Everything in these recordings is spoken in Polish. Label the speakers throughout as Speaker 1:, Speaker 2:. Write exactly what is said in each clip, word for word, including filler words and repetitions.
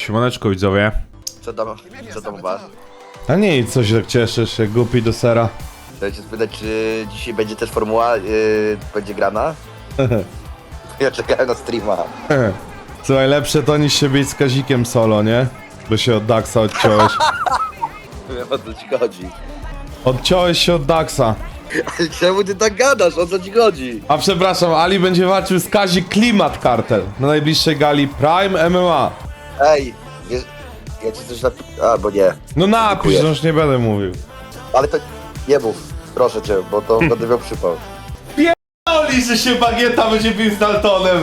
Speaker 1: Siemaneczko widzowie.
Speaker 2: Co tam, co tam masz?
Speaker 1: A nic, co się tak cieszysz, jak głupi do sera.
Speaker 2: Chciałem się spytać, czy dzisiaj będzie też formuła, yy, będzie grana? Ja czekałem na streama.
Speaker 1: Słuchaj, lepsze to niż się bić z Kazikiem solo, nie? Bo się od Daxa odciąłeś.
Speaker 2: Wiem, o co ci chodzi.
Speaker 1: Odciąłeś się od Daxa.
Speaker 2: Ale czemu ty tak gadasz? O co ci chodzi?
Speaker 1: A przepraszam, Ali będzie walczył z Kazik Klimat Kartel na najbliższej gali Prime M M A.
Speaker 2: Ej, wiesz, ja ci coś napi... A, bo nie.
Speaker 1: No napisz,
Speaker 2: Dziękuję.
Speaker 1: że już nie będę mówił.
Speaker 2: Ale to nie mów, proszę cię, bo to będę miał przypał.
Speaker 1: Oli, że się Bagieta będzie bił z Daltonem.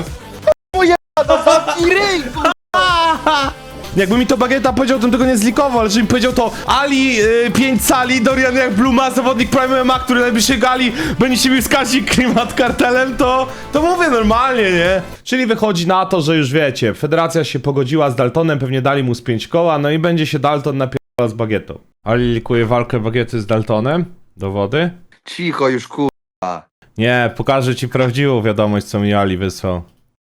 Speaker 1: Jakby mi to Bagieta powiedział, to bym tego nie zlikował, ale że mi powiedział to Ali, yy, pięć cali, Dorian jak Bluma, zawodnik Prime M M A, który najbliższej gali będzie się bił z Kazik Klimat Kartelem, to, to mówię normalnie, nie? Czyli wychodzi na to, że już wiecie, federacja się pogodziła z Daltonem, pewnie dali mu z pięć koła, no i będzie się Dalton napierdalał z Bagietą. Ali likuje walkę Bagiety z Daltonem. Dowody?
Speaker 2: Cicho już, kur...
Speaker 1: Nie, pokażę ci prawdziwą wiadomość, co mi Ali wysłał.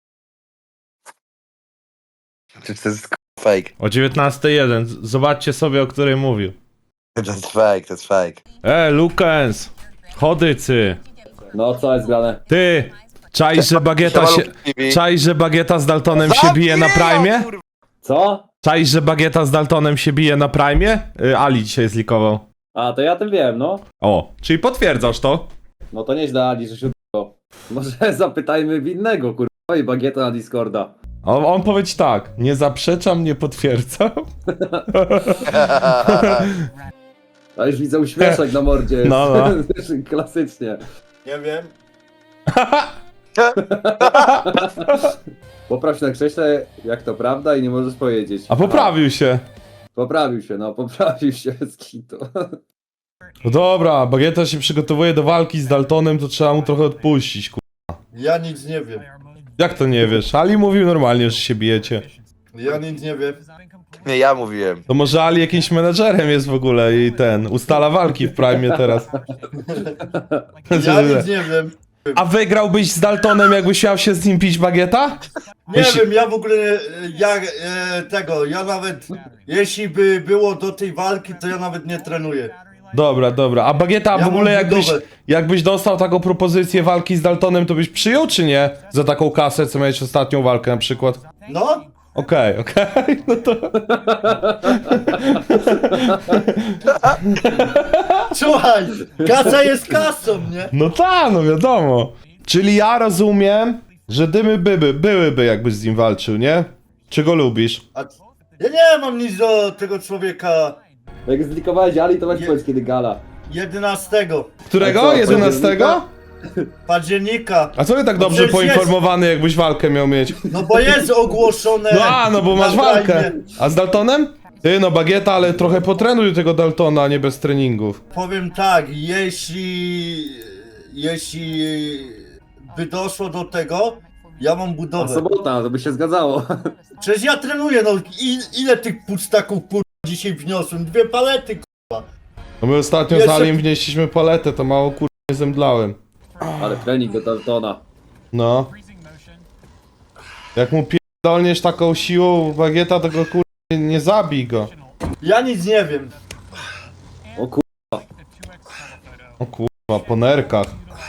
Speaker 2: Czy to jest fake?
Speaker 1: O dziewiętnasta jeden. Z- Zobaczcie sobie, o której mówił.
Speaker 2: To jest fake, to jest fake.
Speaker 1: E, Lukens! Chodycy!
Speaker 3: No co jest grane?
Speaker 1: Ty! Czaj, że Bagieta się... Czaj, że Bagieta z Daltonem się bije na Prime?
Speaker 3: Co?
Speaker 1: Czaj, że Bagieta z Daltonem się bije na Prime? Y, Ali dzisiaj zlikował.
Speaker 3: A, to ja tym wiem, no.
Speaker 1: O, czyli potwierdzasz to?
Speaker 3: No to nieźle, Ali, że się udało. Może zapytajmy winnego, kurwa, i Bagieta na Discorda.
Speaker 1: On, on powie ci tak, nie zaprzeczam, nie potwierdzam.
Speaker 3: A już widzę uśmieszek na mordzie.
Speaker 1: No, no.
Speaker 3: Klasycznie.
Speaker 4: Nie wiem.
Speaker 3: Popraw się na krześle, jak to prawda, i nie możesz powiedzieć.
Speaker 1: A poprawił się.
Speaker 3: Poprawił się, no, poprawił się z kitu.
Speaker 1: No dobra, Bagieta się przygotowuje do walki z Daltonem, to trzeba mu trochę odpuścić, ku...
Speaker 4: Ja nic nie wiem.
Speaker 1: Jak to nie wiesz? Ali mówił normalnie, że się bijecie.
Speaker 4: Ja nic nie wiem.
Speaker 2: Nie, ja mówiłem.
Speaker 1: To może Ali jakimś menedżerem jest w ogóle i ten, ustala walki w Prime teraz.
Speaker 4: Ja nic nie wiem.
Speaker 1: A wygrałbyś z Daltonem, jakbyś miał się z nim pić Bagieta?
Speaker 4: Nie
Speaker 1: Jeśli-
Speaker 4: wiem, ja w ogóle nie, ja e, tego, ja nawet jeśli by było do tej walki, to ja nawet nie trenuję.
Speaker 1: Dobra, dobra. A Bagieta
Speaker 4: Ja
Speaker 1: w ogóle
Speaker 4: mam
Speaker 1: jakbyś,
Speaker 4: budowę.
Speaker 1: jakbyś dostał taką propozycję walki z Daltonem, to byś przyjął czy nie? Za taką kasę, co miałeś ostatnią walkę na przykład?
Speaker 4: No?
Speaker 1: Okej, okej, no to...
Speaker 4: Słuchaj, kasa jest kasą, nie?
Speaker 1: No tak, no wiadomo. Czyli ja rozumiem, że dymy były, byłyby jakbyś z nim walczył, nie? Czy go lubisz?
Speaker 4: A, ja nie mam nic do tego człowieka
Speaker 3: Jak zlikowałeś Ali, to weź
Speaker 4: Nie.
Speaker 3: powiedz kiedy gala.
Speaker 4: jedenastego
Speaker 1: Którego?
Speaker 3: A co,
Speaker 1: jedenastego?
Speaker 4: października.
Speaker 1: A co ty tak
Speaker 4: No
Speaker 1: dobrze
Speaker 4: przecież jest.
Speaker 1: poinformowany, jakbyś walkę miał mieć?
Speaker 4: No bo jest ogłoszone.
Speaker 1: No a, no bo masz
Speaker 4: na
Speaker 1: walkę.
Speaker 4: Prime.
Speaker 1: A z Daltonem? Ty, no Bagieta, ale trochę potrenuj tego Daltona, a nie bez treningów.
Speaker 4: Powiem tak, jeśli jeśli by doszło do tego, ja mam
Speaker 3: A
Speaker 4: budowę.
Speaker 3: sobota, to by się zgadzało.
Speaker 4: Przecież ja trenuję, no i, ile tych pustaków kur... dzisiaj wniosłem? Dwie palety kur...
Speaker 1: No my ostatnio
Speaker 4: Jeszcze-
Speaker 1: z Aliem wnieśliśmy paletę, to mało kur... nie zemdlałem.
Speaker 3: Ale trening do Daltona.
Speaker 1: No. Jak mu pierdolniesz taką siłą Bagieta, to go kur... nie, nie zabij go.
Speaker 4: Ja nic nie wiem.
Speaker 3: O kur...
Speaker 1: O kurwa, po nerkach.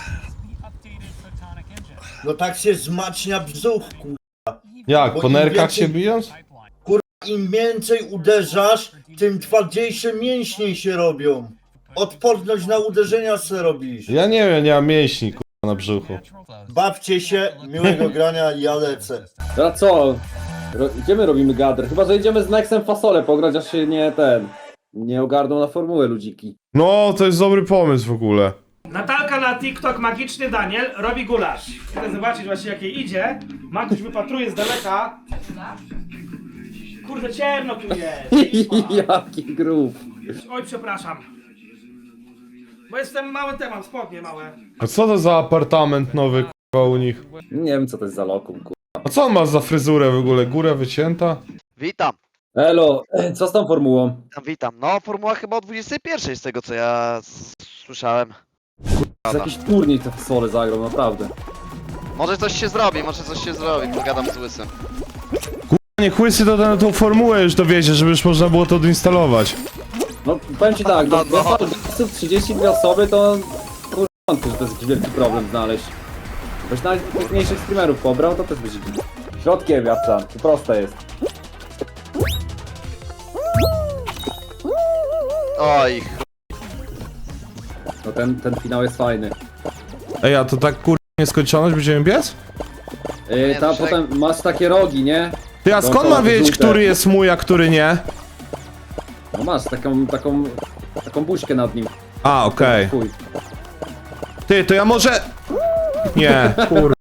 Speaker 4: No tak się zmacnia brzuch kur...
Speaker 1: Jak,
Speaker 4: Bo
Speaker 1: po
Speaker 4: im
Speaker 1: nerkach
Speaker 4: więcej-
Speaker 1: się bijąc?
Speaker 4: Im więcej uderzasz, tym twardziejsze mięśnie się robią. Odporność na uderzenia se robisz.
Speaker 1: Ja nie wiem, nie mam mięśni kurwa na brzuchu.
Speaker 4: Bawcie się, miłego grania, ja lecę.
Speaker 3: Teraz co? Ro... Gdzie my robimy gadr? Chyba, że idziemy z Nexem fasolę pograć, aż się nie ten... Nie ogarną na formułę ludziki.
Speaker 1: No, to jest dobry pomysł w ogóle.
Speaker 5: Natalka na TikTok Magiczny Daniel robi gulasz. Chcę zobaczyć właśnie jak jej idzie. Maguś wypatruje z daleka. Kurde ciemno tu jest.
Speaker 3: Jaki grób.
Speaker 5: Oj przepraszam. Bo jestem mały temat, spodnie małe.
Speaker 1: A co to za apartament nowy kurwa u nich?
Speaker 3: Nie wiem co to jest za lokum, kur...
Speaker 1: A co on ma za fryzurę w ogóle? Góra wycięta?
Speaker 2: Witam,
Speaker 3: Elo, co z tą formułą?
Speaker 2: witam, witam. No, formuła chyba o dwudziestej pierwszej z tego co ja s- słyszałem.
Speaker 3: To jest jakiś turniej te fasole zagrał, naprawdę.
Speaker 2: Może coś się zrobi, może coś się zrobi, pogadam z Łysym.
Speaker 1: niech Łysy to na tą formułę już dowiezie, żeby już można było to odinstalować.
Speaker 3: No powiem ci tak, do,
Speaker 2: No, no.
Speaker 3: do trzydzieści dwie osoby to kurwa, wątpię, że to jest jakiś wielki problem znaleźć. Ktoś nawet mniejszych streamerów pobrał, to też będzie środkiem jabłca, to proste jest.
Speaker 2: Oj,
Speaker 3: No ten, ten finał jest fajny.
Speaker 1: Ej, a to tak kurwa nieskończoność będziemy biec?
Speaker 3: Yy,
Speaker 2: Nie,
Speaker 3: tam
Speaker 2: no,
Speaker 3: potem masz takie rogi, nie?
Speaker 1: Ty, a skąd mam wiedzieć, który jest mój, a który nie?
Speaker 3: No masz taką, taką, taką buźkę nad nim.
Speaker 1: A, okej.
Speaker 3: Chuj.
Speaker 1: Ty, to ja może... Nie, kurwa.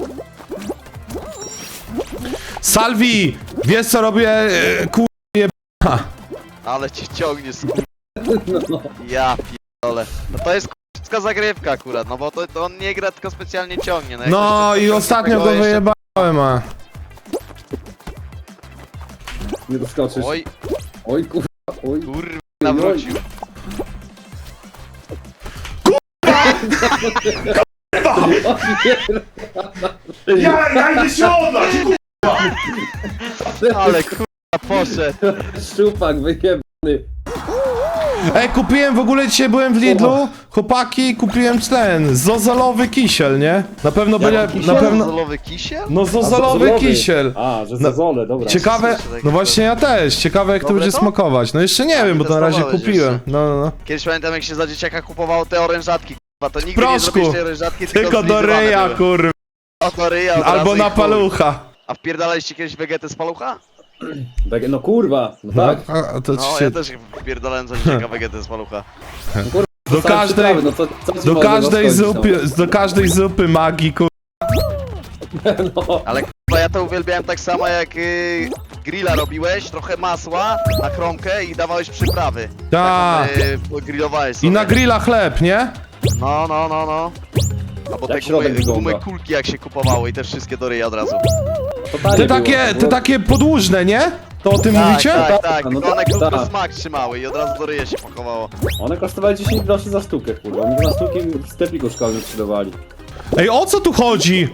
Speaker 1: Salvi! Wiesz co robię, e, kurwa, jeba.
Speaker 2: ale cię ciągnie z
Speaker 3: No, no.
Speaker 2: Ja pierdolę. No to jest k***ska zagrywka akurat, no bo to, to on nie gra, tylko specjalnie ciągnie. jak
Speaker 1: No
Speaker 2: ktoś
Speaker 1: i
Speaker 2: to
Speaker 1: ostatnio go
Speaker 2: tego jeszcze-
Speaker 1: wyjebałem, a...
Speaker 3: Nie doskoczysz.
Speaker 2: Oj,
Speaker 3: Oj kurwa, oj.
Speaker 2: kurwa, nawrócił.
Speaker 1: Ja, ja idę się odlać,
Speaker 2: Ale kurwa poszedł.
Speaker 3: Szczupak wyjebany.
Speaker 1: Ej, kupiłem w ogóle dzisiaj byłem w Lidlu, chłopaki, kupiłem ten, zozolowy kisiel, nie? Na pewno będzie, na pewno...
Speaker 2: Zolowy kisiel?
Speaker 1: No
Speaker 3: A,
Speaker 1: zozolowy
Speaker 3: zozolowy.
Speaker 1: kisiel.
Speaker 3: A, że
Speaker 1: No,
Speaker 3: zazole, dobra.
Speaker 1: Ciekawe, no właśnie ja też, ciekawe jak to
Speaker 2: Dobre
Speaker 1: będzie
Speaker 2: to?
Speaker 1: smakować. No jeszcze nie
Speaker 2: A,
Speaker 1: wiem,
Speaker 2: nie
Speaker 1: bo to na razie
Speaker 2: testowałeś
Speaker 1: kupiłem.
Speaker 2: jeszcze.
Speaker 1: No, no, no.
Speaker 2: Kiedyś pamiętam jak się za dzieciaka kupowało te orężatki, kurwa, to nigdy nie
Speaker 1: Proszku.
Speaker 2: zrobiłeś tej orężatki, tylko,
Speaker 1: Tylko do
Speaker 2: zlizowane
Speaker 1: ryja,
Speaker 2: były.
Speaker 1: kurwa.
Speaker 2: O, do ryja od
Speaker 1: Albo
Speaker 2: razu i
Speaker 1: na
Speaker 2: chuj.
Speaker 1: palucha.
Speaker 2: A wpierdalaliście kiedyś wegetę z palucha?
Speaker 3: Wege- No kurwa, no tak.
Speaker 1: No, a to
Speaker 2: No,
Speaker 1: się,
Speaker 2: ja też wpierdalałem za dzieciaka wegetę z palucha.
Speaker 1: do
Speaker 3: Same
Speaker 1: każdej,
Speaker 3: przyprawy, no co, co ci
Speaker 1: do
Speaker 3: może
Speaker 1: każdej
Speaker 3: zaskoczyć,
Speaker 1: zupy, do każdej zupy magii, kurwa.
Speaker 3: No.
Speaker 2: Ale kurwa, ja to uwielbiałem tak samo jak y, grilla robiłeś, trochę masła na kromkę i dawałeś przyprawy.
Speaker 1: Tak.
Speaker 2: Taką, y, grillowałeś sobie.
Speaker 1: I na grilla chleb, nie?
Speaker 2: No, no, no, no. Albo te
Speaker 3: Jak środek
Speaker 2: gumy, gumy
Speaker 3: wygląda?
Speaker 2: kulki jak się kupowało i te wszystkie do ryja od razu.
Speaker 3: Totalnie
Speaker 1: Te
Speaker 3: było,
Speaker 1: takie,
Speaker 3: to
Speaker 1: te
Speaker 3: było-
Speaker 1: takie podłużne, nie? To o tym
Speaker 2: Tak,
Speaker 1: mówicie?
Speaker 2: tak, tak,
Speaker 3: No
Speaker 2: tylko one
Speaker 3: tak,
Speaker 2: krótko
Speaker 3: tak.
Speaker 2: smak trzymały i od razu do ryja się pakowało.
Speaker 3: One kosztowały dziesięć groszy za sztukę, kurwa. Oni za sztuki w sklepiku szkolnym sprzedawali.
Speaker 1: Ej, o co tu chodzi?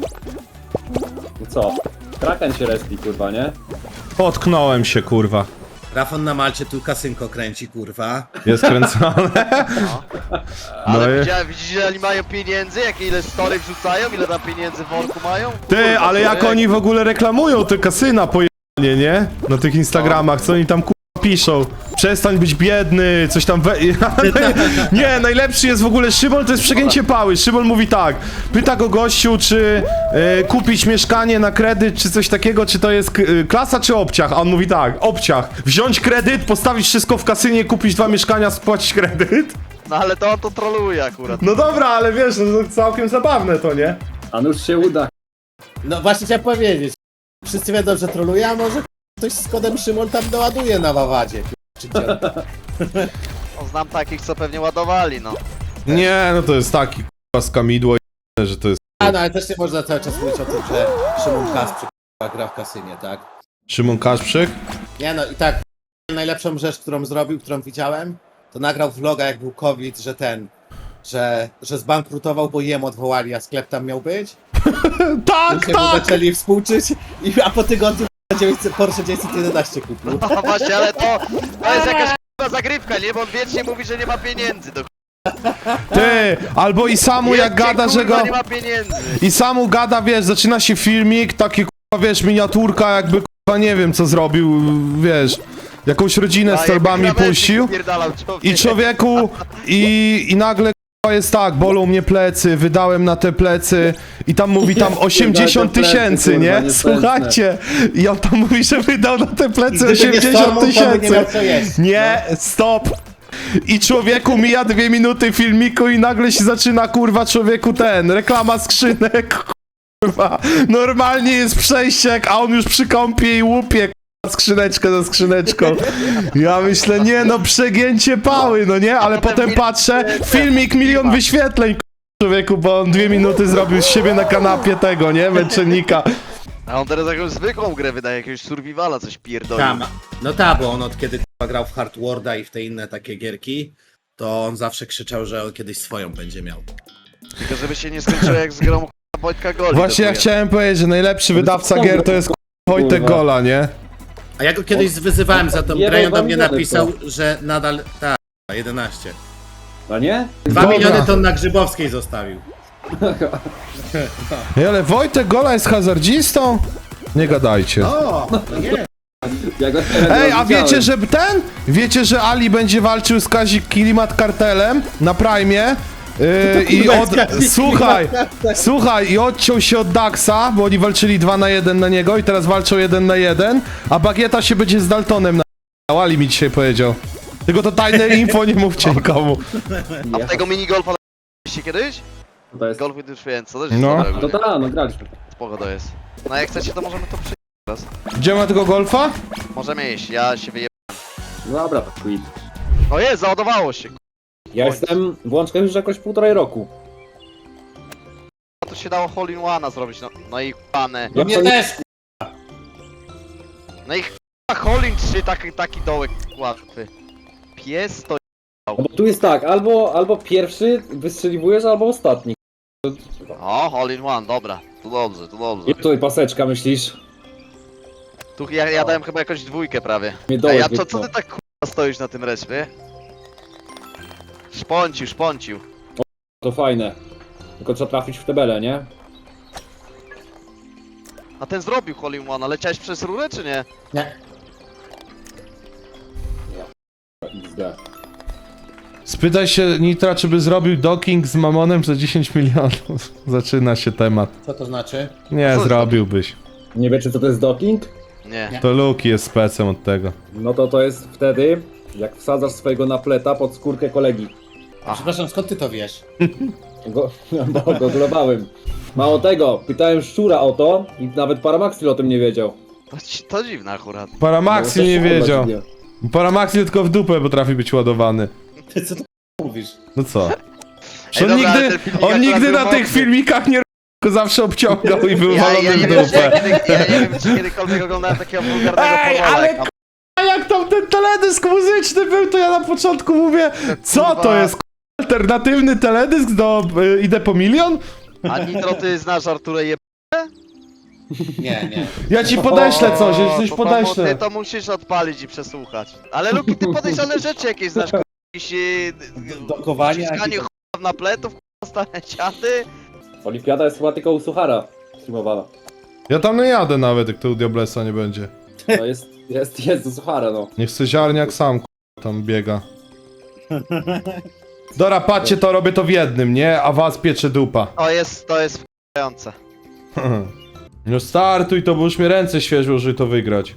Speaker 3: No co? Kraken się respi, kurwa, nie?
Speaker 1: Potknąłem się, kurwa.
Speaker 6: Rafon na Malcie tu kasynko kręci, kurwa.
Speaker 1: Jest kręcone.
Speaker 2: Ale
Speaker 1: No i-
Speaker 2: widziałem, widzisz ile oni mają pieniędzy? Jakie ile story wrzucają? Ile tam pieniędzy w worku mają?
Speaker 1: Ty,
Speaker 2: Kurwa,
Speaker 1: ale jak
Speaker 2: człowiek.
Speaker 1: oni w ogóle reklamują te kasyna pojebanie, nie? Na tych Instagramach, co oni tam kurwa piszą. Przestań być biedny, coś tam we... Nie, najlepszy jest w ogóle Szymon, to jest przegięcie pały. Szymon mówi tak, pyta go gościu, czy e, kupić mieszkanie na kredyt, czy coś takiego, czy to jest k- e, klasa, czy obciach? A on mówi tak, obciach. Wziąć kredyt, postawić wszystko w kasynie, kupić dwa mieszkania, spłacić kredyt.
Speaker 2: No ale to on to troluje akurat.
Speaker 1: No dobra, ale wiesz, no to całkiem zabawne to, nie?
Speaker 3: A nuż się uda.
Speaker 6: No właśnie chciałem powiedzieć. Wszyscy wiedzą, że troluje, a może ktoś z kodem Szymon tam doładuje na Wawadzie. Czy gdzie?
Speaker 2: No, znam takich, co pewnie ładowali, no.
Speaker 1: Nie, no to jest taki kurwa skamidło, że to jest
Speaker 6: A no ale też nie można cały czas mówić o tym, że Szymon Kasprzyk kurwa, gra w kasynie, tak?
Speaker 1: Szymon Kaszprzyk.
Speaker 6: Nie no i tak, najlepszą rzecz, którą zrobił, którą widziałem, to nagrał vloga jak był COVID, że ten, że, że zbankrutował, bo jem odwołali, a sklep tam miał być.
Speaker 1: Tak,
Speaker 6: Ludzie mu
Speaker 1: tak!
Speaker 6: zaczęli współczyć, i, a po tygodniu dziewięćset Porsche dziewięćset jedenaście kupił.
Speaker 2: No właśnie, ale to, to jest jakaś k***a zagrywka, nie? Bo on wiecznie mówi, że nie ma pieniędzy. Do
Speaker 1: Ty, albo i samu jak
Speaker 2: Wiecie,
Speaker 1: gada, że
Speaker 2: kurwa,
Speaker 1: go...
Speaker 2: nie ma pieniędzy.
Speaker 1: I samu gada, wiesz, zaczyna się filmik, taki kurwa, wiesz, miniaturka, jakby kurwa nie wiem co zrobił, wiesz, jakąś rodzinę z torbami puścił. I człowieku, i, i nagle kurwa jest tak, bolą mnie plecy, wydałem na te plecy i tam mówi tam osiemdziesiąt
Speaker 3: plecy,
Speaker 1: tysięcy,
Speaker 3: kurwa,
Speaker 1: nie?
Speaker 3: niespędne.
Speaker 1: Słuchajcie, i on tam mówi, że wydał na te plecy
Speaker 6: Gdyby nie
Speaker 1: osiemdziesiąt
Speaker 6: Stormont, to by nie
Speaker 1: tysięcy.
Speaker 6: miał co jeść.
Speaker 1: Nie, stop! I człowieku mija dwie minuty filmiku i nagle się zaczyna kurwa człowieku ten, reklama skrzynek, kurwa. Normalnie jest przejściek, a on już przy kąpie i łupie kurwa, skrzyneczkę za skrzyneczką. Ja myślę, nie no, przegięcie pały, no nie? Ale potem patrzę, filmik milion wyświetleń, kurwa, człowieku, bo on dwie minuty zrobił z siebie na kanapie tego, nie? Męczennika.
Speaker 2: A on teraz jakąś zwykłą grę wydaje, jakiegoś survivala, coś pierdoli.
Speaker 6: Tam, no tak, bo on od kiedy kurwa, grał w Hard Warda i w te inne takie gierki, to on zawsze krzyczał, że on kiedyś swoją będzie miał.
Speaker 2: Tylko żeby się nie skończyło jak z grą k***a Wojtka Goli.
Speaker 1: Właśnie ja
Speaker 2: dokuje.
Speaker 1: chciałem powiedzieć, że najlepszy wydawca gier to jest kurwa, Wojtek
Speaker 3: Kurwa.
Speaker 1: Gola, nie?
Speaker 6: A ja go kiedyś wyzywałem za tą
Speaker 3: Jebał
Speaker 6: grę i on do
Speaker 3: dwa
Speaker 6: mnie
Speaker 3: miliony
Speaker 6: napisał, że nadal... Tak, jedenaście.
Speaker 3: A nie?
Speaker 6: Dwa
Speaker 1: Dobra.
Speaker 6: miliony to on na Grzybowskiej zostawił.
Speaker 1: Ej, ale Wojtek Gola jest hazardzistą? Nie gadajcie.
Speaker 6: O, no nie.
Speaker 3: Ja go
Speaker 1: Ej, a
Speaker 3: widziałem.
Speaker 1: wiecie, że ten? Wiecie, że Ali będzie walczył z Kazik Kilimat kartelem na Prime? Yy, I
Speaker 6: kurwa,
Speaker 1: od...
Speaker 6: z Kazik
Speaker 1: Słuchaj,
Speaker 6: Kilimat kartel.
Speaker 1: słuchaj, i odciął się od Daxa, bo oni walczyli dwa na jeden na niego i teraz walczą jeden na jeden, a Bagieta się będzie z Daltonem na... Ali mi dzisiaj powiedział. Tylko to tajne info, nie mówcie nikomu.
Speaker 2: A w tego minigolfa się kiedyś?
Speaker 3: To jest...
Speaker 2: Golf with your friends, to też jest
Speaker 1: No.
Speaker 2: dobre
Speaker 3: No
Speaker 2: ogólnie.
Speaker 3: tak, no graliśmy.
Speaker 2: Spoko to jest. No jak chcecie, to możemy to przyjść teraz.
Speaker 1: Gdzie ma tego golfa?
Speaker 2: Możemy iść, ja się wyje...
Speaker 3: Dobra, to quit.
Speaker 2: O jest, załadowało się.
Speaker 3: Ja jestem w łączkach już jakoś półtorej roku.
Speaker 2: To się dało hole in one'a zrobić, no, no i pane.
Speaker 6: No mnie też,
Speaker 2: No i k***a hole in trzy, taki, taki dołek łatwy. Pies to...
Speaker 3: No bo tu jest tak, albo, albo pierwszy wystrzeliwujesz, albo ostatni.
Speaker 2: O, hole in one, dobra. To dobrze, to dobrze.
Speaker 3: I tutaj paseczka, myślisz?
Speaker 2: Tu ja, ja dałem chyba jakąś dwójkę prawie.
Speaker 3: Mnie
Speaker 2: A
Speaker 3: dołek
Speaker 2: ja, co, co
Speaker 3: wypchnął.
Speaker 2: ty tak k***a stoisz na tym respie? Szponcił, szponcił.
Speaker 3: To fajne. Tylko trzeba trafić w tebelę, nie?
Speaker 2: A ten zrobił hole in one, leciałeś przez rurę czy nie?
Speaker 6: Nie.
Speaker 3: iks de.
Speaker 1: Spytaj się Nitra, czy by zrobił docking z Mamonem za dziesięć milionów. Zaczyna się temat.
Speaker 6: Co to znaczy?
Speaker 1: Nie,
Speaker 2: Co
Speaker 1: zrobiłbyś.
Speaker 3: Nie wiecie co to jest docking?
Speaker 2: Nie.
Speaker 1: To Luki jest specem od tego.
Speaker 3: No to to jest wtedy, jak wsadzasz swojego napleta pod skórkę kolegi.
Speaker 6: A przepraszam, skąd ty to wiesz?
Speaker 3: Go, bo go globałem. Mało tego, pytałem szczura o to i nawet Paramaxil o tym nie wiedział.
Speaker 2: To, ci- to dziwne akurat.
Speaker 1: Paramaxil
Speaker 3: No,
Speaker 1: nie
Speaker 3: to
Speaker 1: wiedział.
Speaker 3: dziwnie.
Speaker 1: Paramaxil tylko w dupę potrafi być ładowany.
Speaker 6: Ty co ty mówisz?
Speaker 1: No co?
Speaker 2: Ej,
Speaker 1: On
Speaker 2: dobra, ale
Speaker 1: nigdy,
Speaker 2: ten filmik
Speaker 1: on
Speaker 2: akurat
Speaker 1: nigdy
Speaker 2: był
Speaker 1: na tych
Speaker 2: mocny.
Speaker 1: filmikach nie r***, zawsze obciągał i był
Speaker 2: Ja,
Speaker 1: walony
Speaker 2: ja, nie
Speaker 1: w
Speaker 2: wiem, czy ja,
Speaker 1: dupę.
Speaker 2: kiedy, ja nie wiem, czy kiedykolwiek oglądałem takiego wulgarnego
Speaker 1: Ej,
Speaker 2: porwala,
Speaker 1: ale
Speaker 2: jak tam-
Speaker 1: A jak tam ten teledysk muzyczny był, to ja na początku mówię, co to
Speaker 2: kurwa.
Speaker 1: jest k***a, alternatywny teledysk do y, Idę po milion?
Speaker 2: A Nitro, ty znasz Arturę je...
Speaker 6: Nie, nie.
Speaker 1: Ja ci podeślę coś, ja ci coś
Speaker 2: to, to, ty
Speaker 1: podeślę.
Speaker 2: to musisz odpalić i przesłuchać. Ale Luki, ty podejrzane rzeczy jakieś znasz, k***a, jakieś... e,
Speaker 6: Dokowanie,
Speaker 2: Wciskanie
Speaker 6: jakieś-
Speaker 2: ch***a na pletów, k***a, stare ciaty.
Speaker 3: Olimpiada jest chyba tylko u Suchara streamowana.
Speaker 1: Ja tam nie jadę nawet, jak to u Diablesa nie będzie.
Speaker 3: No jest, jest, jest do Suchara, no.
Speaker 1: Niech se ziarniak sam k***a, tam biega. Dobra, patrzcie, to robię to w jednym, nie? A was piecze dupa.
Speaker 2: O, jest, to jest f***ające.
Speaker 1: No startuj to, bo już mi ręce świeżą, żeby to wygrać.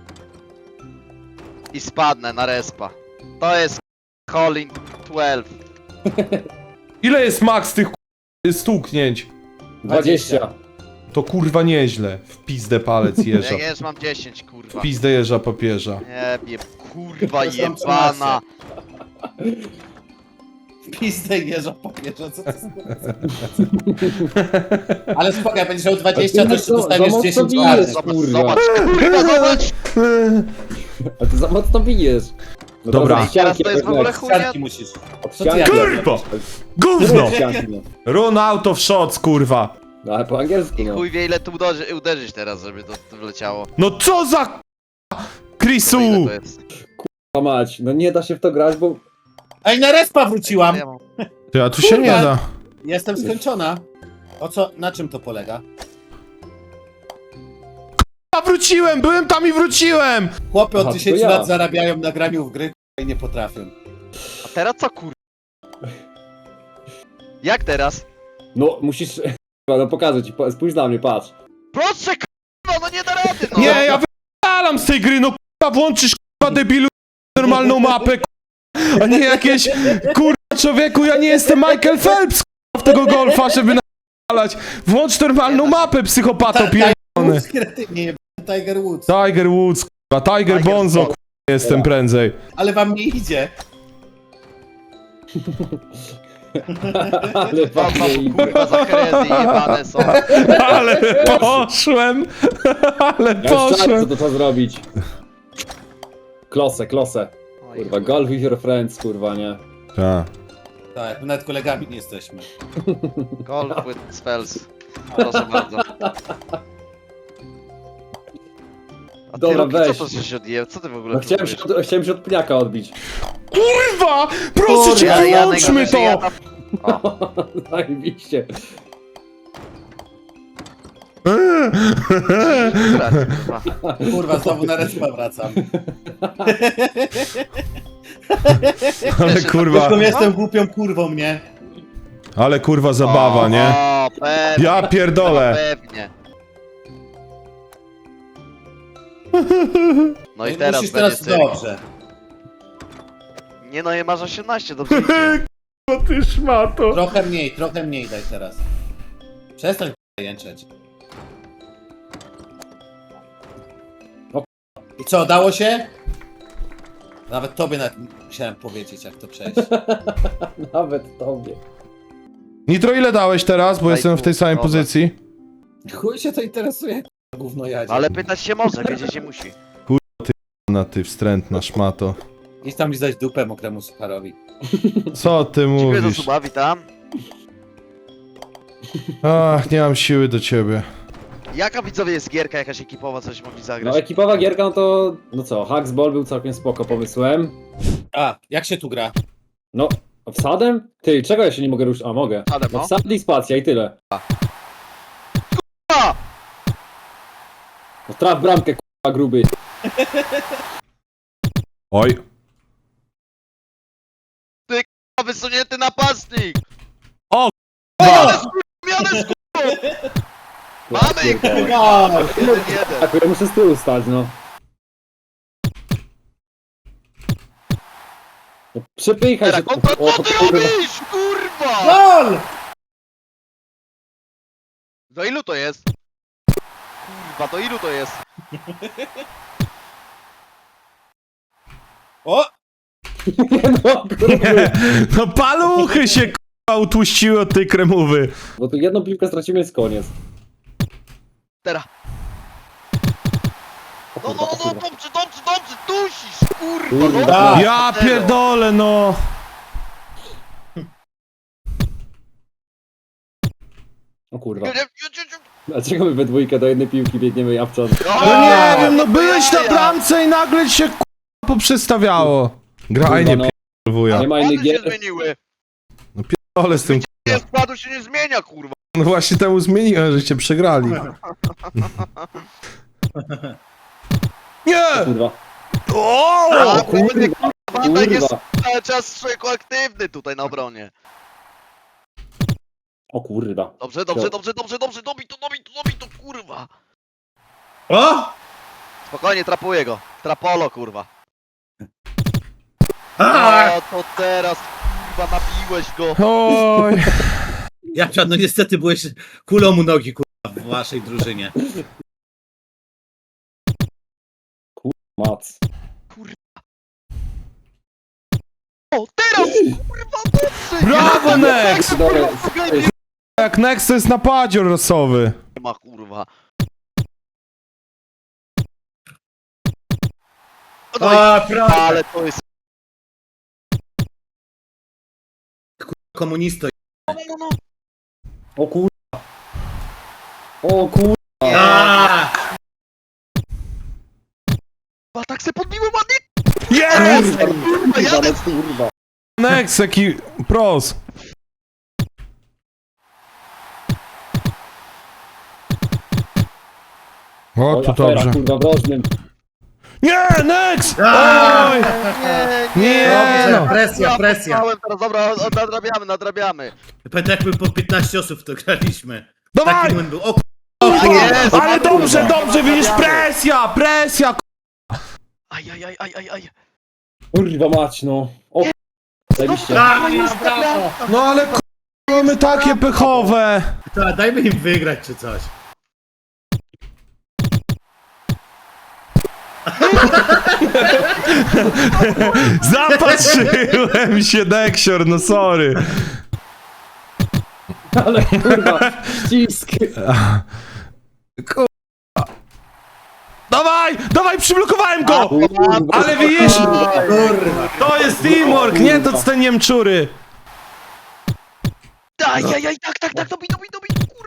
Speaker 2: I spadnę na respa. To jest hole in dwanaście.
Speaker 1: Ile jest max tych k***a, stuknięć?
Speaker 3: dwadzieścia.
Speaker 1: To kurwa nieźle. W pizdę palec jeża.
Speaker 2: Ja już mam dziesięć, kurwa.
Speaker 1: W pizdę jeża papieża.
Speaker 2: Nie, je, kurwa
Speaker 6: To są
Speaker 2: jebana.
Speaker 6: Pizdę jeża papieża, co to jest? Ale spokojnie, będziesz miał dwadzieścia, to jeszcze
Speaker 3: Za- za
Speaker 6: dostaniesz
Speaker 3: mocno
Speaker 6: dziesięć
Speaker 3: bijesz.
Speaker 6: razy.
Speaker 2: Zobacz,
Speaker 3: kurwa.
Speaker 2: zobacz, kurwa, zobacz!
Speaker 3: A ty za mocno bijesz. No
Speaker 1: Dobra.
Speaker 3: teraz od ścianki
Speaker 2: Teraz to jest w
Speaker 3: jakoś
Speaker 2: ogóle
Speaker 3: tak.
Speaker 2: chuj, nie?
Speaker 6: Ścianki musisz.
Speaker 3: Od
Speaker 6: Co ty
Speaker 3: ścianki
Speaker 6: jak-
Speaker 3: jakoś.
Speaker 1: Kurwa! Gówno!
Speaker 3: Od ścianki, no.
Speaker 1: Run out of shots, kurwa!
Speaker 3: No ale po angielsku,
Speaker 2: I
Speaker 3: no.
Speaker 2: chuj wie ile tu uderzy, uderzyć teraz, żeby to, to wleciało.
Speaker 1: No co za k***a, Chrisu!
Speaker 2: To ile to jest?
Speaker 3: O mać, no nie da się w to grać, bo...
Speaker 6: Ej, na respa wróciłam!
Speaker 2: Ja mam-
Speaker 1: Ty, a tu się nie
Speaker 6: Kurwa.
Speaker 1: da.
Speaker 6: Jestem skończona. O co, na czym to polega?
Speaker 1: A wróciłem, byłem tam i wróciłem!
Speaker 6: Chłopy od
Speaker 3: Aha, to
Speaker 6: dziesięciu
Speaker 3: ja.
Speaker 6: lat zarabiają na graniu w gry i nie potrafią.
Speaker 2: A teraz co kur... Jak teraz?
Speaker 3: No musisz... No pokażę ci, po- spójrz na mnie, patrz.
Speaker 2: Proszę kurwa, no nie da rady no!
Speaker 1: Nie, ja wypalam z tej gry, no k***a, włączysz k***a debilu normalną mapę, k***a, a nie jakieś, kurwa człowieku, ja nie jestem Michael Phelps, k***a, w tego golfa, żeby napalać. Włącz normalną mapę, psychopato pierdolony.
Speaker 6: Woods, kretynie, jebany Tiger Woods.
Speaker 1: Tiger Woods, k***a, Tiger
Speaker 2: Tiger
Speaker 1: Bonzo,
Speaker 2: Woods.
Speaker 1: k***a, jestem prędzej.
Speaker 6: Ale wam nie idzie.
Speaker 3: Ale
Speaker 2: Co to
Speaker 3: fajnie
Speaker 2: kurwa za krezy jebane są.
Speaker 1: Ale poszłem, ale
Speaker 3: Ja już czas, co
Speaker 1: poszłem.
Speaker 3: to trzeba zrobić. Klosę, klosę.
Speaker 2: Oj,
Speaker 3: Kurwa, golf with your friends, kurwa, nie?
Speaker 1: Tak.
Speaker 6: Tak, my nawet kolegami nie jesteśmy.
Speaker 2: Golf with spells. Proszę bardzo.
Speaker 7: A ty
Speaker 3: Dobra,
Speaker 7: Roki,
Speaker 3: weź.
Speaker 7: co to się odjęł? Co ty w ogóle
Speaker 3: No chciałem się, od, chciałem się od pniaka odbić.
Speaker 1: Kurwa! Proszę cię,
Speaker 7: Kurde, Janek,
Speaker 1: wyłączmy
Speaker 7: że ja
Speaker 1: to!
Speaker 7: tam- O,
Speaker 3: Zajebiście.
Speaker 7: stracił, kurwa.
Speaker 6: Kurwa, znowu na respa wracam.
Speaker 1: Ale kurwa,
Speaker 6: Zresztą jestem głupią kurwą, nie?
Speaker 1: ale kurwa zabawa,
Speaker 7: O,
Speaker 1: nie?
Speaker 7: O, pewnie.
Speaker 1: Ja
Speaker 7: No,
Speaker 1: pierdolę.
Speaker 7: pewnie. No i
Speaker 6: No
Speaker 7: teraz
Speaker 6: musisz
Speaker 7: będzie
Speaker 6: teraz
Speaker 7: cyrk.
Speaker 6: dobrze.
Speaker 7: Nie no, je masz osiemnaście, dobrze idzie.
Speaker 1: O ty szmato.
Speaker 6: Trochę mniej, trochę mniej daj teraz. Przestań k***a, jęczeć.
Speaker 3: O.
Speaker 6: I co, dało się? Nawet tobie nawet musiałem powiedzieć, jak to przejść.
Speaker 3: Nawet tobie.
Speaker 1: Nitro, ile dałeś teraz? Bo
Speaker 7: Daj
Speaker 1: jestem w tej
Speaker 7: tu,
Speaker 1: samej
Speaker 7: dobra.
Speaker 1: pozycji.
Speaker 6: Chuj się to interesuje, k***a, gówno jadzie.
Speaker 7: Ale pytać się może, wiedzieć się musi.
Speaker 1: Na ty wstrętna szmato.
Speaker 6: Idź tam lizać dupę mokremu sucharowi.
Speaker 1: Co ty
Speaker 7: Dziękuję za
Speaker 1: mówisz?
Speaker 7: suba, witam.
Speaker 1: Ach, nie mam siły do ciebie.
Speaker 7: Jaka widzowie jest gierka jakaś ekipowa, coś mogli
Speaker 3: No
Speaker 7: zagrać?
Speaker 3: ekipowa gierka, no to... No co, Hacksball był całkiem spoko pomysłem.
Speaker 6: A, jak się tu gra?
Speaker 3: No, wsadem? Ty, czego ja się nie mogę ruszyć? A, mogę.
Speaker 7: Wsadem,
Speaker 3: No
Speaker 7: no.
Speaker 3: wsad i spacja i tyle.
Speaker 7: A!
Speaker 3: No traf bramkę, k***a, gruby.
Speaker 1: Oj.
Speaker 7: O, wysunięty napastnik!
Speaker 1: O,
Speaker 7: Miany z Miany z Mamy ich, kurwa! jeden jeden.
Speaker 3: Tak, ja muszę z tyłu stać, no. No przepychaj się.
Speaker 7: Teraz kontra,
Speaker 3: O,
Speaker 7: co ty
Speaker 3: kurwa.
Speaker 7: robisz, kurwa?
Speaker 6: Gol!
Speaker 7: Do ilu to jest? Kurwa, do ilu to jest?
Speaker 6: O!
Speaker 3: No, kurwa.
Speaker 1: no paluchy się kurwa utłuściły od tej kremowy.
Speaker 3: Bo tu jedną piłkę stracimy, jest koniec.
Speaker 7: Teraz.
Speaker 3: O
Speaker 7: No,
Speaker 3: kurwa,
Speaker 7: no,
Speaker 3: o
Speaker 7: no,
Speaker 3: kurwa.
Speaker 7: dobrze, dobrze, dobrze, dusisz, kurwa,
Speaker 3: Kurwa.
Speaker 7: no.
Speaker 1: Ja pierdolę, no.
Speaker 3: O kurwa.
Speaker 7: Nie, nie, nie, nie.
Speaker 3: Dlaczego my we dwójkę do jednej piłki biegniemy Japczan?
Speaker 1: No nie wiem, no
Speaker 7: to
Speaker 1: byłeś na
Speaker 7: jaja.
Speaker 1: bramce i nagle się kurwa poprzestawiało. Graj, nie
Speaker 3: Kurwa, no.
Speaker 1: wuja.
Speaker 3: Nie ma innych
Speaker 7: Składy się
Speaker 3: gier.
Speaker 7: zmieniły.
Speaker 1: Ale z tym
Speaker 7: Nie, składu się nie zmienia, kurwa.
Speaker 1: no właśnie temu zmieniłem, żeście przegrali. Nie!
Speaker 3: Kurwa.
Speaker 1: O!
Speaker 7: A,
Speaker 3: kurwa,
Speaker 7: kurde, kurwa, tak jest
Speaker 3: Kurwa.
Speaker 7: cały czas człowieku aktywny tutaj na obronie.
Speaker 3: O kurwa.
Speaker 7: Dobrze, dobrze, dobrze, dobrze, dobrze, dobij to, dobij to, dobij to, kurwa.
Speaker 4: O!
Speaker 7: Spokojnie, trapuję go. Trapolo, kurwa.
Speaker 4: A!
Speaker 7: O, to teraz, kurwa, nabiłeś go.
Speaker 1: Oj.
Speaker 6: Ja no niestety byłeś kulą u nogi, kurwa, w waszej drużynie.
Speaker 3: Mac.
Speaker 7: O, teraz, kurwa, dobrze.
Speaker 1: Brawo, Nex!
Speaker 3: Dobra,
Speaker 7: Nie
Speaker 1: Jak Nex to jest napadzior losowy.
Speaker 7: ma, kurwa. No i,
Speaker 4: A, prawda.
Speaker 7: ale to jest...
Speaker 6: Komunisto.
Speaker 7: No, no, no.
Speaker 3: o kurwa. O kurwa.
Speaker 4: A!
Speaker 7: Kurwa, tak se podbiłem ładnie.
Speaker 1: Jest!
Speaker 7: Kurwa,
Speaker 3: Kurwa,
Speaker 7: jadę.
Speaker 3: no kurwa.
Speaker 1: Nex, jaki pros. O,
Speaker 3: Oj,
Speaker 1: tu
Speaker 3: afera,
Speaker 1: dobrze.
Speaker 3: kurwa, w rożnym.
Speaker 1: Nie, Nex!
Speaker 4: A!
Speaker 1: Oj!
Speaker 7: Nie,
Speaker 1: Nie,
Speaker 6: Dobrze,
Speaker 1: no.
Speaker 6: presja,
Speaker 7: Ja
Speaker 6: presja.
Speaker 7: poznałem teraz, dobra, o- nadrabiamy, nadrabiamy.
Speaker 6: Pamiętam jak my po piętnaście osób w to graliśmy.
Speaker 1: Dawaj!
Speaker 6: Taki moment był. O
Speaker 1: Kurwa,
Speaker 7: jest,
Speaker 1: ale dobrze,
Speaker 7: kurwa.
Speaker 1: dobrze, widzisz, presja, presja,
Speaker 7: Aj, aj, aj, aj, aj, aj.
Speaker 3: Kurwa mać, no. O zajebiście.
Speaker 4: Brawo,
Speaker 7: jest
Speaker 4: brawo.
Speaker 1: no ale kurwa, mamy takie pechowe.
Speaker 6: kurwa, dajmy im wygrać czy coś.
Speaker 1: Zapatrzyłem się, Nexior, no sorry.
Speaker 3: Ale kurwa, ścisk.
Speaker 1: Kurwa. Dawaj, dawaj, przyblokowałem go!
Speaker 3: Kurwa.
Speaker 1: Ale widzisz,
Speaker 6: Kurwa.
Speaker 1: to jest teamwork, nie to co te Niemczury.
Speaker 7: Aj, aj, aj, tak, tak, tak, dobij, dobij, dobij, kurwa.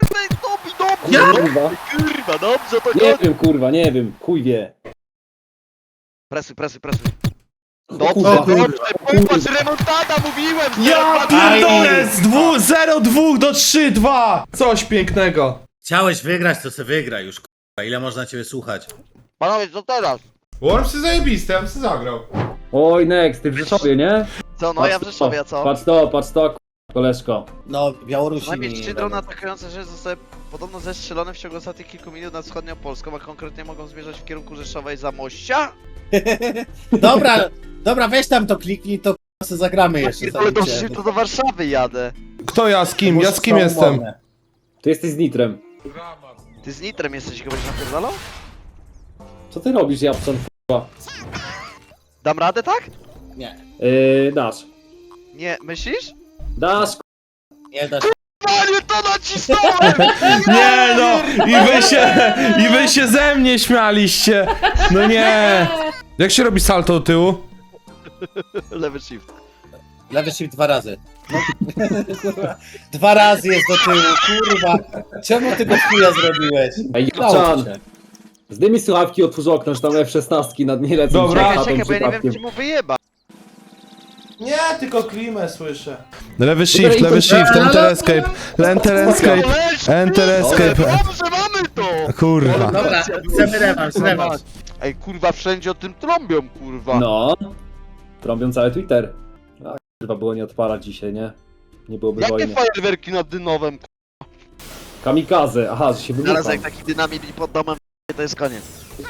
Speaker 7: Dobi, dobrze!
Speaker 3: Kurwa.
Speaker 7: Kurwa, dobrze to
Speaker 3: Nie
Speaker 7: chodzi!
Speaker 3: wiem, kurwa, nie wiem. Chuj wie.
Speaker 7: Presuj, presuj, presuj.
Speaker 3: Kurwa.
Speaker 7: Dobrze, dobrze, popatrz, remontada, mówiłem!
Speaker 1: Ja
Speaker 7: zero
Speaker 1: pierdolę! Z dwu, zero dwa do trzy dwa! Coś pięknego.
Speaker 6: Chciałeś wygrać, to se wygraj już, k***a. Ile można ciebie słuchać?
Speaker 7: Panowie, co teraz?
Speaker 1: Worms jest zajebisty, ja bym się zagrał.
Speaker 3: Oj, Next, ty w Rzeszowie, nie?
Speaker 7: Co, no ja w Rzeszowie, a co?
Speaker 3: Patrz to, patrz to, k- koleżko.
Speaker 6: No, Białorusi
Speaker 7: Najpierw
Speaker 6: mi
Speaker 7: trzy
Speaker 6: nie
Speaker 7: drony
Speaker 6: będą.
Speaker 7: atakujące rzeczy zostały podobno zestrzelone w ciągu ostatnich kilku minut nad wschodnią Polską, a konkretnie mogą zmierzać w kierunku Rzeszowej Zamościa?
Speaker 6: Dobra, dobra, weź tam to kliknij, to k***a, se zagramy jeszcze.
Speaker 7: Ale to
Speaker 6: zanim cię-
Speaker 7: przecież to do Warszawy jadę.
Speaker 1: Kto ja z kim? Ja z kim
Speaker 6: Są
Speaker 1: jestem?
Speaker 6: umowne.
Speaker 3: Ty jesteś z Nitrem.
Speaker 7: Ty z Nitrem jesteś, chyba się napierdalał?
Speaker 3: Co ty robisz, Japczan, kurwa?
Speaker 7: Dam radę, tak?
Speaker 6: Nie,
Speaker 3: Yy, dasz.
Speaker 7: Nie, myślisz?
Speaker 3: Dasz,
Speaker 6: nie dasz.
Speaker 7: Panie, to nacisnąłem!
Speaker 1: Nie no! I wy się, i wy się ze mnie śmialiście! No nie! Jak się robi salto do tyłu?
Speaker 7: Lewy shift.
Speaker 6: Lewy shift dwa razy. No. Kurwa. Dwa razy jest do tyłu, kurwa. Czemu ty go chuja zrobiłeś?
Speaker 3: Ej,
Speaker 6: Udało ci
Speaker 3: Japczan,
Speaker 6: się.
Speaker 3: zdejmij słuchawki, otwórz okno, że tam F szesnaście nad nie lecą.
Speaker 1: Dobra.
Speaker 3: przed
Speaker 7: Czekaj,
Speaker 3: chatą
Speaker 7: czekaj, bo ja nie wiem,
Speaker 3: przypadkiem.
Speaker 7: czy mu wyjeba.
Speaker 1: Nie, tylko klimę słyszę. Lewy shift, lewy shift, enter escape, enter escape, enter escape.
Speaker 7: Dobrze, mamy to!
Speaker 1: Kurwa.
Speaker 6: Dobra, chcemy rewanż, rewanż.
Speaker 7: Ej, kurwa, wszędzie o tym trąbią, kurwa.
Speaker 3: No. Trąbią cały Twitter. A kurwa, było nie odpalać dzisiaj, nie? Nie byłoby
Speaker 7: Jakie
Speaker 3: wojny.
Speaker 7: fajerwerki nad Dynowem?
Speaker 3: Kamikaze, aha, że się
Speaker 7: Zaraz
Speaker 3: wybucha.
Speaker 7: jak taki dynamit mi pod domem, to jest koniec.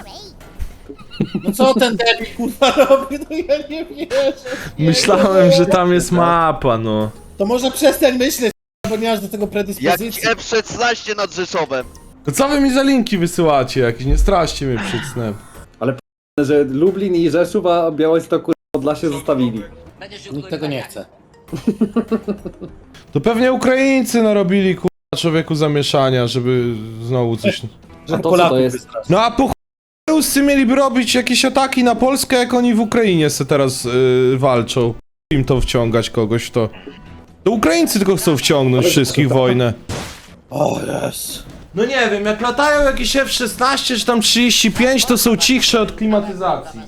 Speaker 6: No co ten debil kurwa robi? No ja nie wierzę.
Speaker 1: Myślałem, że tam jest mapa, no.
Speaker 6: To może przestań myśleć, bo nie masz do tego
Speaker 7: Jak
Speaker 6: predyspozycji.
Speaker 7: F szesnaście nad Rzeszowem.
Speaker 1: To co wy mi za linki wysyłacie jakieś? Nie straście mnie przed snem.
Speaker 3: Że Lublin i Rzeszów, a Białystok kurwa Podlasie zostawili.
Speaker 6: Nikt tego nie chce.
Speaker 1: To pewnie Ukraińcy narobili kurwa człowieku zamieszania, żeby znowu coś...
Speaker 6: Że
Speaker 3: A to co
Speaker 6: Polaków
Speaker 3: to jest?
Speaker 6: wystraszyć.
Speaker 1: No a po chuj Ruscy mieliby robić jakieś ataki na Polskę, jak oni w Ukrainie se teraz yy, walczą. Im to wciągać kogoś w to. To Ukraińcy tylko chcą wciągnąć wszystkich w wojnę.
Speaker 6: O jest.
Speaker 1: No nie wiem, jak latają jakieś F szesnaście czy tam trzydzieści pięć, to są cichsze od klimatyzacji.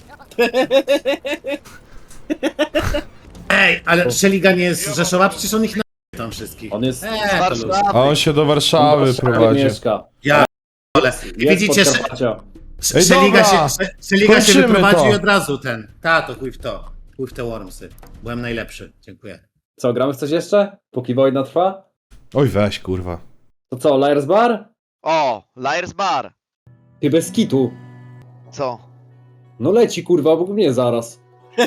Speaker 6: Ej, ale Szeliga nie jest z Rzeszowa, przecież on ich na tam wszystkich.
Speaker 3: On jest...
Speaker 6: Eee, to luz.
Speaker 1: A on się do Warszawy
Speaker 3: on w Warszawie
Speaker 1: prowadzi.
Speaker 3: mieszka.
Speaker 6: Ja ale
Speaker 3: Jest
Speaker 6: widzicie, Sze-
Speaker 3: Podkarpacia.
Speaker 6: Sze-
Speaker 1: Ej,
Speaker 6: Szeliga
Speaker 1: dobra.
Speaker 6: się, Sze- Szeliga się
Speaker 1: Kończymy
Speaker 6: wyprowadził
Speaker 1: to.
Speaker 6: i od razu ten. Ta, to chuj w to. Chuj w te Wormsy. Byłem najlepszy. Dziękuję.
Speaker 3: Co, gramy w coś jeszcze? Póki wojna trwa?
Speaker 1: Oj weź kurwa.
Speaker 3: To co, Liars Bar?
Speaker 7: O, Liars Bar.
Speaker 3: Ty bez kitu.
Speaker 7: Co?
Speaker 3: No leci kurwa, obok mnie zaraz.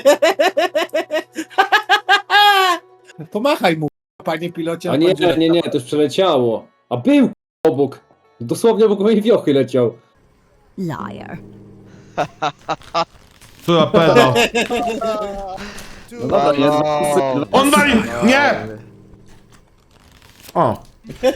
Speaker 6: Pomachaj mu, panie pilocie.
Speaker 3: A nie, nie, nie, to już przeleciało. A był obok. Dosłownie obok mojej wiochy leciał.
Speaker 8: Liar.
Speaker 1: Tu na pedo.
Speaker 3: No dobra, nie,
Speaker 7: no.
Speaker 1: On wali! Nie! O.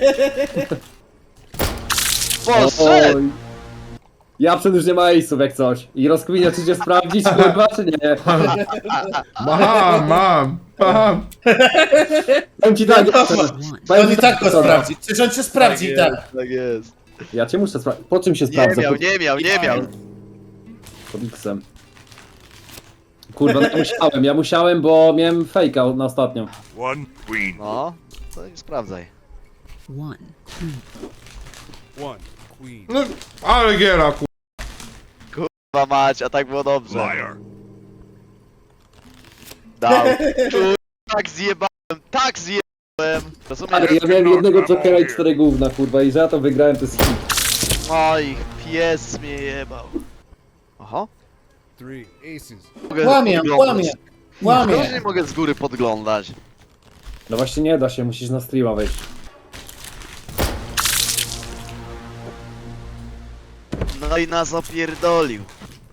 Speaker 7: Poszedł!
Speaker 3: Oj. Ja przed już nie ma ace'ów jak coś. I rozkminia czy cię sprawdzić kurwa czy nie.
Speaker 1: Mam, mam, mam.
Speaker 3: Powiem ci tak,
Speaker 6: On i tak go sprawdzi. Przecież on cię sprawdzi i tak.
Speaker 7: Tak jest.
Speaker 3: Ja cię muszę sprawdzić. Po czym się
Speaker 7: Nie
Speaker 3: sprawdza?
Speaker 7: miał,
Speaker 3: Pod-
Speaker 7: nie miał, nie miał.
Speaker 3: Pod X-em. Kurwa, no ja musiałem, ja musiałem, bo miałem fejka na ostatnią.
Speaker 7: No, to i sprawdzaj.
Speaker 8: One.
Speaker 1: No, ale giera ku...
Speaker 7: Chyba mać, a tak było dobrze. Dał. Kur- Tak zjebałem, tak zjebałem. Rozumiesz?
Speaker 3: Ale ja miałem jednego jokera i cztery gówna, kurwa, i że ja to wygrałem, to jest hit.
Speaker 7: Oj, pies mnie jebał. Aha. Mogę
Speaker 6: Łamie,
Speaker 7: podglądać.
Speaker 6: łamie,
Speaker 7: Łamie.
Speaker 6: łamie.
Speaker 7: nie mogę z góry podglądać.
Speaker 3: No właśnie nie da się, musisz na streama wejść.
Speaker 7: No i nas opierdolił.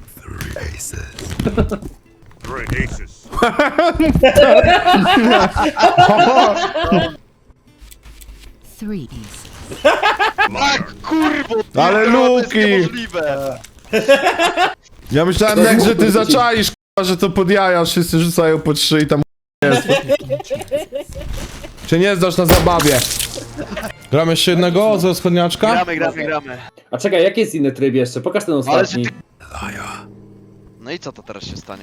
Speaker 8: Three aces.
Speaker 7: Tak, kurwo,
Speaker 1: Ale
Speaker 7: pierdolę, to jest
Speaker 1: Luki!
Speaker 7: niemożliwe.
Speaker 1: Ja myślałem jak, że ty zaczaisz k***a, że to pod jaja wszyscy rzucają po trzy i tam jest. Czy nie zdasz na zabawie? Gramy jeszcze jednego ze wschodniaczka?
Speaker 7: Gramy, gramy, gramy.
Speaker 3: A czekaj, jaki jest inny tryb jeszcze? Pokaż ten
Speaker 7: Ale
Speaker 3: ostatni.
Speaker 7: że ty... No i co to teraz się stanie?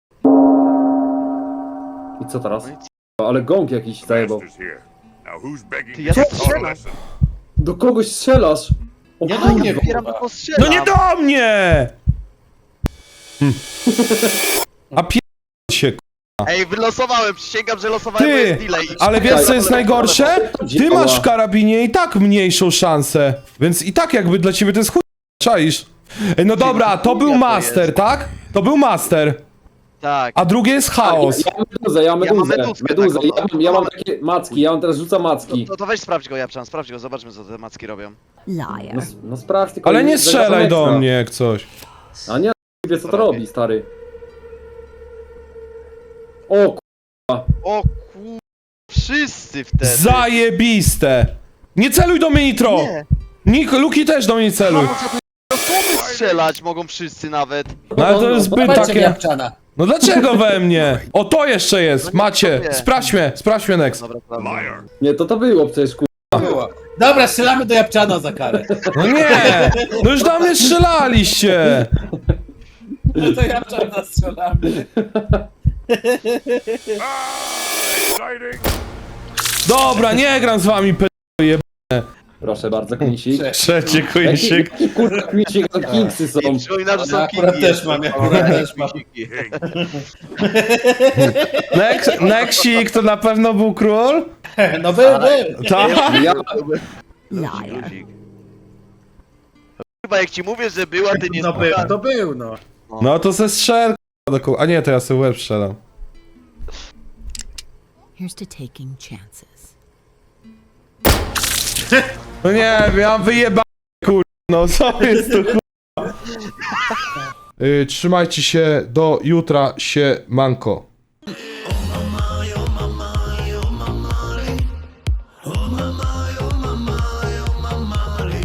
Speaker 3: I co teraz?
Speaker 7: No i
Speaker 3: Ale gong jakiś zajebał.
Speaker 7: Ty, ja strzelam.
Speaker 3: Do kogoś strzelasz! O
Speaker 6: Nie do
Speaker 3: kurwa.
Speaker 6: mnie,
Speaker 7: Otwieram,
Speaker 6: kurwa.
Speaker 7: tylko strzelam.
Speaker 1: No nie do mnie! Hm. A pier... się,
Speaker 7: Ej, wylosowałem, przysięgam, że losowałem, bo
Speaker 1: Ty,
Speaker 7: jest delay.
Speaker 1: ale wiesz co jest najgorsze? Ty
Speaker 3: Działa.
Speaker 1: masz w karabinie i tak mniejszą szansę, więc i tak jakby dla ciebie to jest chuj... Czaisz? Ej, no dobra, to był
Speaker 7: to
Speaker 1: master,
Speaker 7: jest.
Speaker 1: tak? To był master,
Speaker 7: Tak.
Speaker 1: a drugie jest chaos.
Speaker 3: Ja mam meduzę, ja mam
Speaker 7: Ja mam
Speaker 3: meduzę.
Speaker 7: meduzkę
Speaker 3: meduzę.
Speaker 7: taką,
Speaker 3: Ja, mam, ja mam takie macki, ja mam teraz rzucam macki.
Speaker 7: To, to weź sprawdź go, Japczan, sprawdź go, zobaczmy co te macki robią.
Speaker 8: Liar.
Speaker 3: No, no sprawdź tylko.
Speaker 1: Ale nie
Speaker 3: zagadam
Speaker 1: strzelaj do
Speaker 3: ekstra.
Speaker 1: mnie jak coś.
Speaker 3: A nie, wie co to
Speaker 7: Robię.
Speaker 3: robi, stary. O k***a.
Speaker 7: O kur... Wszyscy wtedy.
Speaker 1: Zajebiste! Nie celuj do mnie, Nitro!
Speaker 7: Nie.
Speaker 1: Nik, Luki też do mnie celuj.
Speaker 7: Strzelać mogą wszyscy nawet.
Speaker 1: No ale to jest zbyt
Speaker 6: Dawajcie mi
Speaker 1: takie...
Speaker 6: Japczana.
Speaker 1: No dlaczego we mnie? O, to jeszcze jest,
Speaker 7: No nie
Speaker 1: macie.
Speaker 7: wiem.
Speaker 1: Sprawdź mnie, sprawdź mnie next.
Speaker 7: Dobra, dobra.
Speaker 3: Nie, to to było przecież ku...
Speaker 6: Było. Dobra, strzelamy do Japczana za karę.
Speaker 1: No nie! No już do mnie strzelaliście!
Speaker 6: No to Japczana strzelamy.
Speaker 1: Dobra, nie gram z wami, p...
Speaker 3: Proszę bardzo, Knisik.
Speaker 1: Trzecie kujsik.
Speaker 3: Jaki kurwa Knisik, to Kingsy są.
Speaker 7: I przypominam, że są
Speaker 6: Ja akurat
Speaker 7: kingi.
Speaker 6: też mam, ja akurat też mam.
Speaker 1: Next, Nexik to na pewno był król?
Speaker 6: No był, był.
Speaker 1: Tak?
Speaker 3: Ja,
Speaker 8: Liar.
Speaker 7: Chyba jak ci mówię, że była, ty nie
Speaker 6: No był,
Speaker 7: słuchasz.
Speaker 6: to był, no.
Speaker 1: No to se strzel... do ku- A nie, to ja sobie łeb strzelam.
Speaker 8: Here's to taking chances.
Speaker 1: No nie wiem, ja mam wyjeba... kur... No co jest to kur... Yy, trzymajcie się, do jutra się manko.
Speaker 9: Oh my, oh my, oh my, oh my, oh my, oh my,